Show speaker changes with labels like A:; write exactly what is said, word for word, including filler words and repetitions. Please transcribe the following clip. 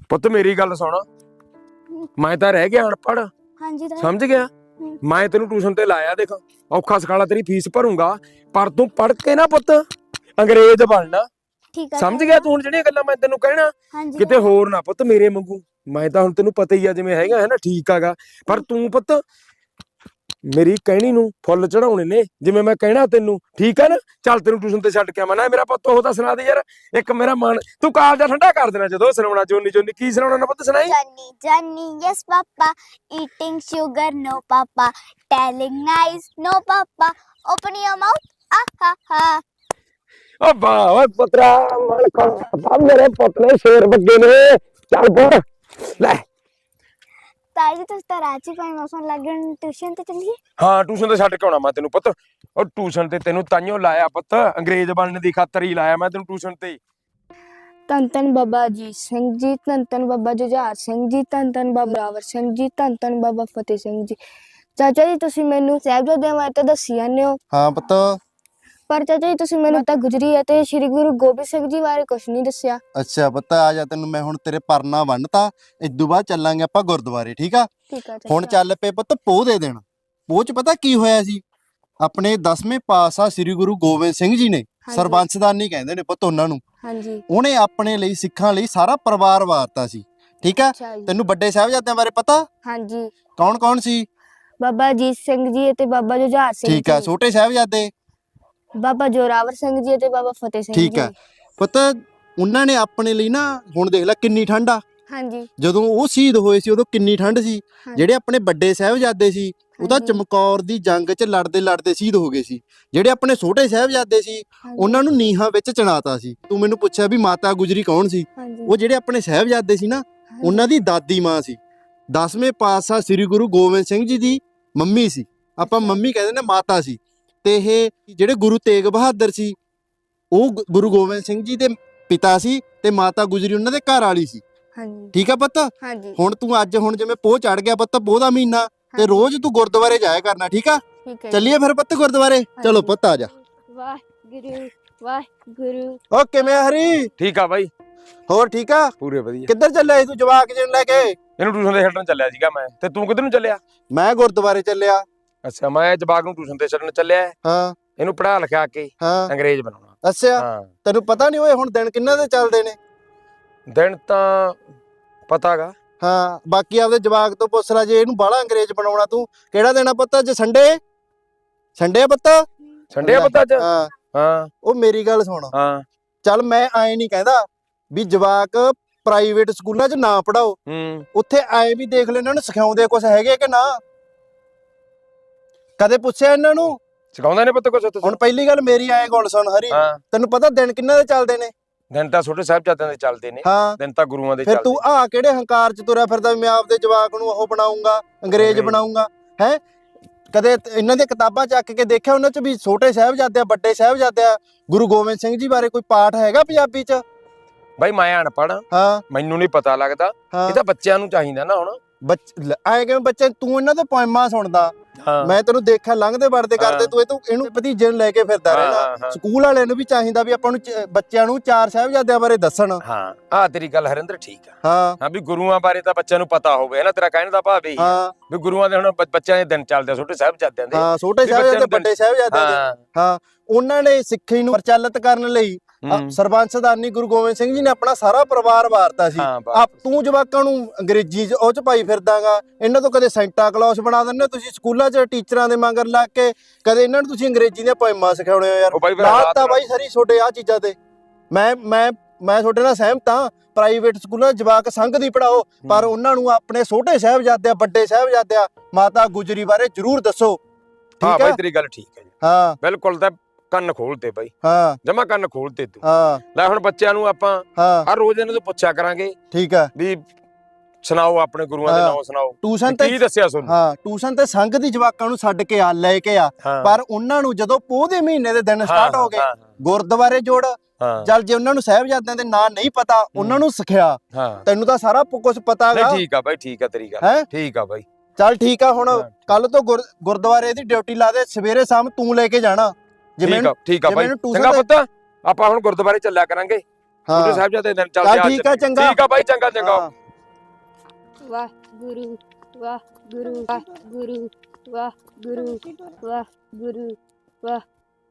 A: ਪੁੱਤ ਮੇਰੀ ਗੱਲ ਸੁਣ, ਮੈਂ ਤਾਂ ਰਹਿ ਗਿਆ ਅਨਪੜ੍ਹ।
B: ਹਾਂਜੀ ਤਾਇਆ।
A: ਸਮਝ ਗਿਆ? ਮੈਂ ਤੈਨੂੰ ਟਿਊਸ਼ਨ ਤੇ ਲਾਇਆ, ਦੇਖ ਔਖਾ ਸਖਾਲਾ ਤੇਰੀ ਫੀਸ ਭਰੂੰਗਾ, ਪਰ ਤੂੰ ਪੜ੍ਹ ਕੇ ਨਾ ਪੁੱਤ ਅੰਗਰੇਜ਼ ਬਣਨਾ।
B: ਠੀਕ ਆ
A: ਸਮਝ ਗਿਆ ਤੂੰ ਹੁਣ ਜਿਹੜੀਆਂ ਗੱਲਾਂ ਮੈਂ ਤੈਨੂੰ ਕਹਿਣਾ?
B: ਹਾਂਜੀ
A: ਕਿਤੇ ਹੋਰ ਨਾ ਪੁੱਤ ਮੇਰੇ ਵਾਂਗੂ। ਮੈਂ ਤਾਂ ਹੁਣ ਤੈਨੂੰ ਪਤਾ ਹੀ ਆ ਜਿਵੇਂ ਹੈਗਾ ਹੈ ਨਾ, ਠੀਕ ਆਗਾ, ਪਰ ਤੂੰ ਪੁੱਤ ਮੇਰੀ ਕਹਿਣੀ ਨੂੰ ਫੁੱਲ ਚੜਾਉਣੇ ਨੇ, ਜਿਵੇਂ ਮੈਂ ਕਹਿਣਾ ਤੈਨੂੰ, ਠੀਕ ਆ ਨਾ? ਚੱਲ ਤੈਨੂੰ ਟਿਊਸ਼ਨ ਤੇ ਛੱਡ ਕੇ ਆਵਾਂ ਨਾ। ਮੇਰਾ ਪੁੱਤ ਉਹ ਤਾਂ ਸੁਣਾ ਦੇ ਯਾਰ ਇੱਕ, ਮੇਰਾ ਮਨ ਤੂੰ ਕਾਲਜਾ ਠੰਡਾ ਕਰ ਦੇਣਾ ਜਦੋਂ ਸੁਣਾਉਣਾ। ਜੋਨੀ ਜੋਨੀ ਕੀ ਸੁਣਾਉਣਾ ਨਾ ਪੁੱਤ, ਸੁਣਾਈ।
B: Johnny, Johnny, yes papa, eating sugar, no papa, telling lies, no papa, open your mouth, ah ha ha.
A: ਓ ਵਾਹ ਓਏ ਪੁੱਤਰਾ, ਮਨ ਖਾ ਮੇਰੇ ਪੁੱਤ ਨੇ ਸ਼ੇਰ ਬੱਗੇ ਨੇ। ਚੱਲ ਪੜ ਲੈ।
B: ਤਾਈ ਜੀ ਤੁਸੀਂ ਤਾਂ ਰਾਜੀ ਪਾਈ ਮੌਸਮ ਲੱਗਣ ਟਿਊਸ਼ਨ ਤੇ ਚੱਲੀਏ।
A: ਹਾਂ ਟਿਊਸ਼ਨ ਤੇ ਛੱਡ ਕੇ ਆਉਣਾ ਮੈਂ ਤੈਨੂੰ ਪੁੱਤ। ਉਹ ਟਿਊਸ਼ਨ ਤੇ ਤੈਨੂੰ ਤਾਈਓ ਲਾਇਆ ਪੁੱਤ, ਅੰਗਰੇਜ਼ ਬਣਨ ਦੀ ਖਾਤਰ ਹੀ ਲਾਇਆ ਮੈਂ ਤੈਨੂੰ ਟਿਊਸ਼ਨ ਤੇ।
C: ਧੰਨ ਧੰਨ ਬਾਬਾ ਅਜੀਤ ਸਿੰਘ ਜੀ, ਧੰਨ ਧੰਨ ਬਾਬਾ ਜੁਝਾਰ ਸਿੰਘ ਜੀ, ਧੰਨ ਧੰਨ ਬਾਬਾ ਬਰਾਵਰ ਸਿੰਘ ਜੀ, ਧੰਨ ਧੰਨ ਬਾਬਾ ਫਤਿਹ ਸਿੰਘ ਜੀ। ਚਾਚਾ ਜੀ ਤੁਸੀਂ ਮੈਨੂੰ ਸਾਹਿਬਜ਼ਾਦਿਆਂ ਬਾਰੇ ਤਾਂ ਦੱਸੀ ਜਾਂਦੇ ਹੋ,
D: ਹਾਂ ਪੁੱਤ।
C: ਪਰ ਚਾਚਾ ਜੀ ਤੁਸੀਂ ਮੈਨੂੰ ਤਾਂ ਗੁਜਰੀ ਅਤੇ ਸ੍ਰੀ ਗੁਰੂ ਗੋਬਿੰਦ ਸਿੰਘ ਜੀ ਬਾਰੇ ਕੁਝ ਨਹੀਂ ਦੱਸਿਆ।
D: ਅੱਛਾ ਪੁੱਤ, ਆ ਜਾ ਤੈਨੂੰ ਮੈਂ ਹੁਣ ਤੇਰੇ ਪਰਨਾ ਬੰਨਤਾ, ਇਦੋਂ ਬਾਅਦ ਚੱਲਾਂਗੇ ਆਪਾਂ ਗੁਰਦੁਆਰੇ, ਠੀਕ ਆ?
C: ਠੀਕ ਆ ਚਾਚਾ।
D: ਹੁਣ ਚੱਲ ਪਏ ਪੁੱਤ ਪੋਹ ਦੇ ਦੇਣ। ਪੋਹ ਚ ਪਤਾ ਕੀ ਹੋਇਆ ਸੀ? ਆਪਣੇ ਦਸਵੇਂ ਪਾਤਸ਼ਾਹ ਸ੍ਰੀ ਗੁਰੂ ਗੋਬਿੰਦ ਸਿੰਘ ਜੀ ਨੇ, ਸਰਬੰਸਦਾਨੀ ਕਹਿੰਦੇ ਨੇ ਪੁੱਤ ਉਹਨਾਂ ਨੂੰ,
C: ਹਾਂਜੀ,
D: ਉਹਨੇ ਆਪਣੇ ਲਈ ਸਿੱਖਾਂ ਲਈ ਸਾਰਾ ਪਰਿਵਾਰ ਵਾਰਤਾ ਸੀ, ਠੀਕ ਆ?
C: ਅੱਛਾ ਜੀ।
D: ਤੈਨੂੰ ਵੱਡੇ ਸਾਹਿਬਜ਼ਾਦਿਆਂ ਬਾਰੇ ਪਤਾ?
C: ਹਾਂਜੀ,
D: ਕੌਣ ਕੌਣ ਸੀ?
C: ਬਾਬਾ ਅਜੀਤ ਸਿੰਘ ਜੀ ਅਤੇ ਬਾਬਾ ਜੁਝਾਰ ਸਿੰਘ ਜੀ।
D: ਠੀਕ ਆ। ਛੋਟੇ ਸਾਹਿਬਜ਼ਾਦੇ?
C: ਬਾਬਾ ਜੋਰਾਵਰ ਸਿੰਘ ਜੀ ਅਤੇ ਬਾਬਾ ਫਤਿਹ ਸਿੰਘ ਜੀ।
D: ਠੀਕ ਆ ਪੁੱਤ। ਉਹਨਾਂ ਨੇ ਆਪਣੇ ਲਈ ਨਾ, ਹੁਣ ਦੇਖ ਲੈ ਕਿੰਨੀ ਠੰਡ ਆ,
C: ਹਾਂਜੀ,
D: ਜਦੋਂ ਉਹ ਸ਼ਹੀਦ ਹੋਏ ਸੀ ਉਦੋਂ ਕਿੰਨੀ ਠੰਡ ਸੀ। ਜਿਹੜੇ ਆਪਣੇ ਵੱਡੇ ਸਾਹਿਬਜ਼ਾਦੇ ਸੀ ਉਹ ਤਾਂ ਚਮਕੌਰ ਦੀ ਜੰਗ 'ਚ ਲੜਦੇ ਲੜਦੇ ਸ਼ਹੀਦ ਹੋ ਗਏ ਸੀ। ਜਿਹੜੇ ਆਪਣੇ ਛੋਟੇ ਸਾਹਿਬਜ਼ਾਦੇ ਸੀ ਉਹਨਾਂ ਨੂੰ ਨੀਹਾਂ ਵਿੱਚ ਚਿਣਾਤਾ ਸੀ। ਤੂੰ ਮੈਨੂੰ ਪੁੱਛਿਆ ਵੀ ਮਾਤਾ ਗੁਜਰੀ ਕੌਣ ਸੀ? ਉਹ ਜਿਹੜੇ ਆਪਣੇ ਸਾਹਿਬਜ਼ਾਦੇ ਸੀ ਨਾ, ਉਹਨਾਂ ਦੀ ਦਾਦੀ ਮਾਂ ਸੀ, ਦਸਵੇਂ ਪਾਤਸ਼ਾਹ ਸ੍ਰੀ ਗੁਰੂ ਗੋਬਿੰਦ ਸਿੰਘ ਜੀ ਦੀ ਮੰਮੀ ਸੀ। ਆਪਾਂ ਮੰਮੀ ਕਹਿੰਦੇ ਨੇ, ਮਾਤਾ ਸੀ। ਤੇ ਇਹ ਜਿਹੜੇ ਗੁਰੂ ਤੇਗ ਬਹਾਦਰ ਸੀ ਉਹ ਗੁਰੂ ਗੋਬਿੰਦ ਸਿੰਘ ਜੀ ਦੇ ਪਿਤਾ ਸੀ, ਤੇ ਮਾਤਾ ਗੁਜਰੀ ਉਹਨਾਂ ਦੇ ਘਰ ਵਾਲੀ ਸੀ।
C: ਹਾਂਜੀ,
D: ਠੀਕ ਆ ਪੁੱਤ?
C: ਹਾਂਜੀ।
D: ਹੁਣ ਤੂੰ ਅੱਜ ਹੁਣ ਜਿਵੇਂ ਪੋਹ ਚੜ ਗਿਆ ਪੁੱਤ, ਪੋਹ ਦਾ ਮਹੀਨਾ, ਤੇ ਰੋਜ਼ ਤੂੰ ਗੁਰਦੁਆਰੇ ਜਾਇਆ ਕਰਨਾ, ਠੀਕ ਆ?
C: ਠੀਕ ਹੈ।
D: ਚੱਲੀਏ ਫਿਰ ਪੁੱਤ ਗੁਰਦੁਆਰੇ। ਚਲੋ ਪੁੱਤ ਆ ਜਾ।
C: ਵਾਹਿਗੁਰੂ ਵਾਹਿਗੁਰੂ।
D: ਓ ਕਿਵੇਂ ਹਰੀ?
A: ਠੀਕ ਆ ਬਾਈ,
D: ਹੋਰ ਠੀਕ ਆ?
A: ਪੂਰੇ ਵਧੀਆ।
D: ਕਿੱਧਰ ਚੱਲਿਆ ਸੀ ਤੂੰ ਜਵਾਕ ਜੀ ਨੂੰ ਲੈ ਕੇ?
A: ਇਹਨੂੰ ਟਿਊਸ਼ਨ ਤੇ ਛੱਡਣ ਚੱਲਿਆ ਸੀਗਾ ਮੈਂ, ਤੇ ਤੂੰ ਕਿੱਧਰ ਨੂੰ ਚੱਲਿਆ?
D: ਮੈਂ ਗੁਰਦੁਆਰੇ ਚੱਲਿਆ।
A: ਅੱਛਾ, ਮੈਂ ਜਵਾਕ ਨੂੰ ਟਿਊਸ਼ਨ ਤੇ ਛੱਡਣ ਚੱਲਿਆ,
D: ਹਾਂ
A: ਇਹਨੂੰ ਪੜ੍ਹਾ ਲਿਖਾ ਕੇ
D: ਹਾਂ।
A: ਅੰਗਰੇਜ਼ ਬਣਾਉਣਾ।
D: ਅੱਛਾ,
A: ਹਾਂ,
D: ਤੈਨੂੰ ਪਤਾ ਨਹੀਂ ਓਏ ਹੁਣ ਦਿਨ ਕਿੰਨਾ ਦੇ ਚੱਲਦੇ ਨੇ?
A: ਦਿਨ ਤਾਂ ਪਤਾਗਾ।
D: ਹਾਂ, ਬਾਕੀ ਆਪਦੇ ਜਵਾਕ ਤੋਂ ਪੁੱਛ ਲੈ, ਜੇ ਇਹਨੂੰ ਬਾਹਲਾ ਅੰਗਰੇਜ਼ ਬਣਾਉਣਾ ਤੂੰ। ਕਿਹੜਾ ਦੇਣਾ ਪੁੱਤ ਅੱਜ? ਸੰਡੇ? ਸੰਡੇ ਆ ਪੁੱਤ?
A: ਸੰਡੇ ਆ ਪਤਾ ਅੱਜ?
D: ਹਾਂ
A: ਹਾਂ।
D: ਉਹ ਮੇਰੀ ਗੱਲ ਸੁਣ,
A: ਹਾਂ।
D: ਚੱਲ ਮੈਂ ਐ ਨਹੀਂ ਕਹਿੰਦਾ ਵੀ ਜਵਾਕ ਪ੍ਰਾਈਵੇਟ ਸਕੂਲਾਂ 'ਚ ਨਾ ਪੜਾਓ,
A: ਹੂੰ।
D: ਉੱਥੇ ਐ ਵੀ ਦੇਖ ਲੈ ਇਹਨਾਂ ਨੂੰ ਸਿਖਾਉਂਦੇ ਕੁਛ ਹੈਗੇ ਕਿ ਨਾ? ਕਦੇ ਪੁੱਛਿਆ ਇਹਨਾਂ ਨੂੰ?
A: ਸਿਖਾਉਂਦੇ ਨੇ ਪੁੱਤ ਕੁਛ ਉੱਥੇ?
D: ਹੁਣ ਪਹਿਲੀ ਗੱਲ ਮੇਰੀ ਐ ਗੱਲ ਸੁਣ ਹਰੀ,
A: ਹਾਂ।
D: ਤੈਨੂੰ ਪਤਾ ਦਿਨ ਕਿੰਨਾ ਦੇ ਚੱਲਦੇ ਨੇ?
A: ਦਿਨ ਤਾਂ ਛੋਟੇ ਸਾਹਿਬਜ਼ਾਦਿਆਂ ਦੇ ਚੱਲਦੇ ਨੇ,
D: ਹਾਂ।
A: ਦਿਨ ਤਾਂ ਗੁਰੂਆਂ ਦੇ
D: ਫਿਰ
A: ਚੱਲਦੇ।
D: ਤੂੰ ਆ ਕਿਹੜੇ ਹੰਕਾਰ 'ਚ ਤੁਰਿਆ ਫਿਰਦਾ ਵੀ ਮੈਂ ਆਪਦੇ ਜਵਾਕ ਨੂੰ ਉਹ ਬਣਾਉਂਗਾ, ਅੰਗਰੇਜ਼ ਬਣਾਉਂਗਾ? ਹੈ ਕਦੇ ਇਹਨਾਂ ਦੀਆਂ ਕਿਤਾਬਾਂ ਚੱਕ ਕੇ ਦੇਖਿਆ ਉਹਨਾਂ 'ਚ ਵੀ ਛੋਟੇ ਸਾਹਿਬਜ਼ਾਦੇ, ਵੱਡੇ ਸਾਹਿਬਜ਼ਾਦੇ, ਗੁਰੂ ਗੋਬਿੰਦ ਸਿੰਘ ਜੀ ਬਾਰੇ ਕੋਈ ਪਾਠ ਹੈਗਾ ਪੰਜਾਬੀ 'ਚ?
A: ਬਾਈ ਮੈਂ ਅਨਪੜ੍ਹ,
D: ਹਾਂ
A: ਮੈਨੂੰ ਨਹੀਂ ਪਤਾ ਲੱਗਦਾ।
D: ਹਾਂ।
A: ਇਹ ਤਾਂ ਬੱਚਿਆਂ ਨੂੰ ਚਾਹੀਦਾ ਨਾ ਹੁਣ।
D: ਬੱਚ ਆਏ ਕਿਵੇਂ ਬੱਚੇ? ਤੂੰ ਇਹਨਾਂ ਦੇ ਪੋਇਮਾਂ ਸੁਣਦਾ,
A: ਹਾਂ।
D: ਮੈਂ ਤੈਨੂੰ ਦੇਖਿਆ ਲੰਘਦੇ ਵੜਦੇ ਕਰਦੇ,
A: ਹਾਂ।
D: ਤੂੰ ਇਹ ਤੂੰ ਇਹਨੂੰ ਭਤੀਜੇ ਨੂੰ ਲੈ ਕੇ ਫਿਰਦਾ
A: ਹਾਂ,
D: ਰਹਿਣਾ।
A: ਹਾਂ।
D: ਸਕੂਲ ਵਾਲਿਆਂ ਨੂੰ ਵੀ ਚਾਹੀਦਾ ਵੀ ਆਪਾਂ ਨੂੰ ਚ- ਬੱਚਿਆਂ ਨੂੰ ਚਾਰ ਸਾਹਿਬਜ਼ਾਦਿਆਂ ਬਾਰੇ ਦੱਸਣ।
A: ਹਾਂ, ਆਹ ਤੇਰੀ ਗੱਲ ਹਰਿੰਦਰ ਠੀਕ ਆ।
D: ਹਾਂ
A: ਹਾਂ ਵੀ ਗੁਰੂਆਂ ਬਾਰੇ ਤਾਂ ਬੱਚਿਆਂ ਨੂੰ ਪਤਾ ਹੋਵੇ ਨਾ, ਤੇਰਾ ਕਹਿਣ ਦਾ ਭਾਵ ਇਹੀ ਆ
D: ਹਾਂ
A: ਵੀ ਗੁਰੂਆਂ ਦੇ ਹੁਣ ਬ- ਬੱਚਿਆਂ ਦੇ ਦਿਨ ਚੱਲਦੇ ਆ, ਛੋਟੇ ਸਾਹਿਬਜ਼ਾਦਿਆਂ ਦੇ।
D: ਹਾਂ, ਛੋਟੇ
A: ਵੀ ਬੱਚਿਆਂ
D: ਸਾਹਿਬਜ਼ਾਦੇ,
A: ਨੂੰ
D: ਵੱਡੇ ਸਾਹਿਬਜ਼ਾਦਿਆਂ ਦੇ।
A: ਹਾਂ।
D: ਹਾਂ, ਉਹਨਾਂ ਨੇ ਸਿੱਖੀ ਨੂੰ ਪ੍ਰਚਲਿਤ ਕਰਨ ਲਈ
A: ਹੂੰ।
D: ਸਰਬੰਸਦਾਨੀ ਗੁਰੂ ਗੋਬਿੰਦ ਸਿੰਘ ਜੀ ਨੇ ਆਪਣਾ ਸਾਰਾ ਪਰਿਵਾਰ ਵਾਰਤਾ ਸੀ।
A: ਹਾਂ, ਬਸ।
D: ਆਪ ਤੂੰ ਜਵਾਕਾਂ ਨੂੰ ਅੰਗਰੇਜ਼ੀ 'ਚ ਉਹ 'ਚ ਪਾਈ ਫਿਰਦਾਗਾ। ਇਹਨਾਂ ਤੋਂ ਕਦੇ ਸੈਂਟਾ ਕਲੌਸ ਬਣਾ ਦਿੰਦੇ ਹੋ ਤੁਸੀਂ ਸਕੂਲਾਂ 'ਚ ਟੀਚਰਾਂ ਦੇ ਮਗਰ ਲੱਗ ਕੇ, ਕਦੇ ਇਹਨਾਂ ਨੂੰ ਤੁਸੀਂ ਅੰਗਰੇਜ਼ੀ ਦੀਆਂ ਪੋਇਮਾਂ ਸਿਖਾਉਣੇ ਹੋ ਯਾਰ।
A: ਉਹ ਬਾਈ ਫਿਰ
D: ਲਾਤ
A: ਹਾਲਾਤ
D: ਤਾਂ
A: ਨਾਲ-
D: ਬਾਈ ਸਾਰੀ ਛੋਡੇ ਆ ਚੀਜ਼ਾਂ ਤੇ। ਮੈਂ ਮੈਂ ਮੈਂ ਤੁਹਾਡੇ ਨਾਲ ਸਹਿਮਤ ਹਾਂ, ਪ੍ਰਾਈਵੇਟ ਸਕੂਲਾਂ 'ਚ ਜਵਾਕ ਸੰਘ ਦੀ ਪੜਾਓ, ਪਰ ਉਹਨਾਂ ਨੂੰ ਆਪਣੇ ਛੋਟੇ ਸਾਹਿਬਜ਼ਾਦਿਆਂ, ਵੱਡੇ ਸਾਹਿਬਜ਼ਾਦਿਆਂ, ਮਾਤਾ ਗੁਜਰੀ ਬਾਰੇ ਜ਼ਰੂਰ ਦੱਸੋ,
A: ਹਾਂ
D: ਠੀਕ
A: ਬਾਈ
D: ਹੈ?
A: ਤੇਰੀ ਗੱਲ ਠੀਕ ਹੈ ਜੀ,
D: ਹਾਂ
A: ਬਿਲਕੁਲ। ਤਾਂ ਕੰਨ ਖੋਲਤੇ ਬਾਈ,
D: ਹਾਂ
A: ਜਮਾ ਕੰਨ ਖੋਲਤੇ ਤੂੰ।
D: ਹਾਂ
A: ਲੈ ਹੁਣ ਬੱਚਿਆਂ ਨੂੰ ਆਪਾਂ
D: ਹਾਂ
A: ਹਰ ਰੋਜ਼ ਇਹਨਾਂ ਤੋਂ ਪੁੱਛਿਆ ਕਰਾਂਗੇ
D: ਠੀਕ ਹੈ।
A: ਵੀ ਸੁਣਾਓ ਆਪਣੇ ਗੁਰੂਆਂ ਦੇ
D: ਹਾਂ।
A: ਨਾਮ ਸੁਣਾਓ,
D: ਟਿਊਸ਼ਨ
A: ਵੀ
D: ਤੇ
A: ਕੀ ਦੱਸਿਆ ਤੁਹਾਨੂੰ?
D: ਹਾਂ, ਟਿਊਸ਼ਨ ਤੇ ਸੰਘ ਦੀ ਜਵਾਕਾਂ ਨੂੰ ਛੱਡ ਕੇ ਆ, ਲੈ ਕੇ ਆ,
A: ਹਾਂ।
D: ਪਰ ਉਹਨਾਂ ਨੂੰ ਜਦੋਂ ਪੋਹ ਦੇ ਮਹੀਨੇ ਦੇ ਦਿਨ
A: ਹਾਂ,
D: ਸਟਾਰਟ ਹੋ ਗਏ,
A: ਹਾਂ,
D: ਗੁਰਦੁਆਰੇ ਜੋੜ।
A: ਹਾਂ।
D: ਚੱਲ ਜੇ ਉਹਨਾਂ ਨੂੰ ਸਾਹਿਬਜ਼ਾਦਿਆਂ ਦੇ ਨਾਂ ਨਹੀਂ ਪਤਾ, ਉਹਨਾਂ ਨੂੰ ਸਿਖਿਆ।
A: ਹਾਂ।
D: ਤੈਨੂੰ ਤਾਂ ਸਾਰਾ ਕੁਝ ਪਤਾ
A: ਨਹੀਂ
D: ਹੈਗਾ।
A: ਠੀਕ ਆ ਬਾਈ, ਠੀਕ ਆ ਤੇਰੀ ਗੱਲ,
D: ਹੈਂ?
A: ਠੀਕ ਆ ਬਾਈ।
D: ਚੱਲ ਠੀਕ ਆ, ਹੁਣ
A: ਹਾਂ।
D: ਕੱਲ ਤੋਂ ਗੁਰ- ਗੁਰਦੁਆਰੇ ਦੀ ਡਿਊਟੀ ਲਾ ਦੇ, ਸਵੇਰੇ ਸ਼ਾਮ ਤੂੰ ਲੈ ਕੇ ਜਾਣਾ। ਜਿਵੇਂ
A: ਠੀਕ ਆ, ਠੀਕ ਆ
D: ਜਿਵੇਂ
A: ਬਾਈ,
D: ਇਹਨੂੰ tuition
A: ਚੰਗਾ
D: ਤੇ-
A: ਪੁੱਤ। ਆਪਾਂ ਹੁਣ ਗੁਰਦੁਆਰੇ ਚੱਲਿਆ ਕਰਾਂਗੇ, ਛੋਟੇ
D: ਹਾਂ
A: ਸਾਹਿਬਜ਼ਾਦੇ ਦਿਨ ਚੱਲ
D: ਚੱਲ
A: ਜਾ
D: ਠੀਕ ਆ, ਚੰਗਾ।
A: ਠੀਕ ਆ ਬਾਈ, ਚੰਗਾ ਚੰਗਾ।
D: ਹਾਂ।
C: ਵਾਹ ਗੁਰੂ ਵਾਹ ਗੁਰੂ ਵਾਹ ਗੁਰੂ ਵਾਹ ਗੁਰੂ ਵਾਹ ਗੁਰੂ ਵਾਹ